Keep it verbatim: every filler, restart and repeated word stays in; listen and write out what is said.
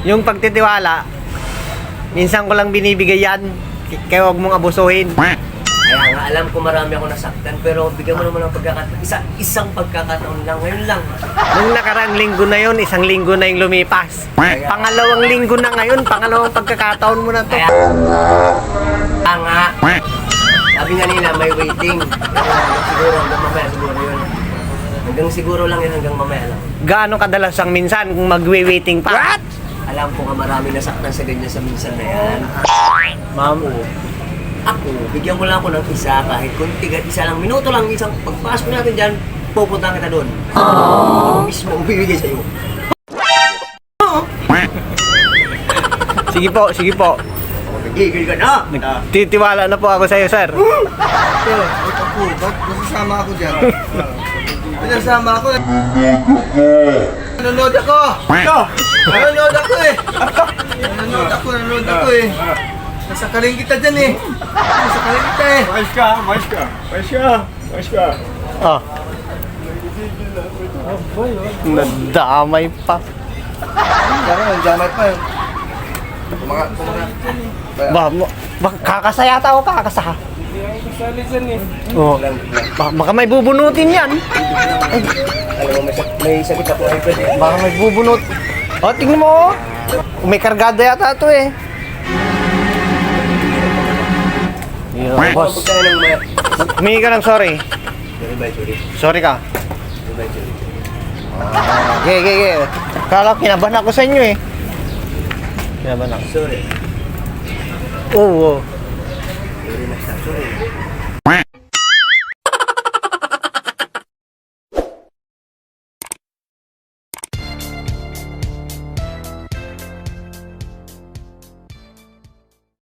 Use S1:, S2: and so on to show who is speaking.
S1: Yung pagtitiwala, minsan ko lang binibigay yan. Kaya huwag mong abusuhin.
S2: Kaya nga, alam ko marami ako nasaktan, pero bigyan mo naman ng pagkakataon. Isa, isang pagkakataon lang, ngayon lang.
S1: Nung nakaraang linggo na yon, isang linggo na yung lumipas.
S2: Kaya-
S1: Pangalawang linggo na ngayon, pangalawang pagkakataon mo na to.
S2: Kaya, kaya nga, sabi nga nila, may waiting. Kaya siguro, hanggang mamaya siguro yun. Hanggang siguro lang yun, hanggang mamaya lang.
S1: Gaano kadalas ang minsan kung magwe-waiting pa? What?
S2: Alam ko nga marami nasaktan sa ganyan sa minsan na yan.
S1: Ma'am,
S2: Ako, bigyan mo lang ako ng isa, kahit kunti, kahit isa lang, minuto lang, isang pagpasok natin dyan, pupunta kita doon. Ako mismo ang bibigay sa'yo.
S1: sige po, sige po.
S2: Nagigil ka na!
S1: Nagtitiwala na po ako sa iyo, sir.
S3: Sir, wait ako. Ba't nasasama ako dyan? Nasasama ako. Nanonood ako! Nanonood ako eh! Nanonood ako, nanonood ako eh! Nasa kaling kita dyan eh! Nasa kaling kita eh!
S4: Mais ka, mais ka, mais ka, mais ka.
S1: Oh. Nadamay pa.
S3: Diyan ka, nandiyanay pa eh. Mga, mga...
S1: Ba, mo- ba kakasaya tao ka, kakasa. Oh. Ba, baka may bubunutin yan.
S2: Alam mo, may, sak- may sakit ako ay pwede.
S1: Baka may bubunot. Oh, tingnan mo. Oh. May kargada yata ito eh. Yeah, boss.
S2: Pagkain ng maya.
S1: Humingi ka ng sorry.
S2: Sorry ba, sorry.
S1: Sorry ka.
S2: Sorry ba, sorry.
S1: Okay, okay, okay. Kala ko kinabahan ako sa inyo eh. Kinabahan ako.
S2: Sorry.
S1: Oo. Oh,
S2: Sorry na siya, sorry.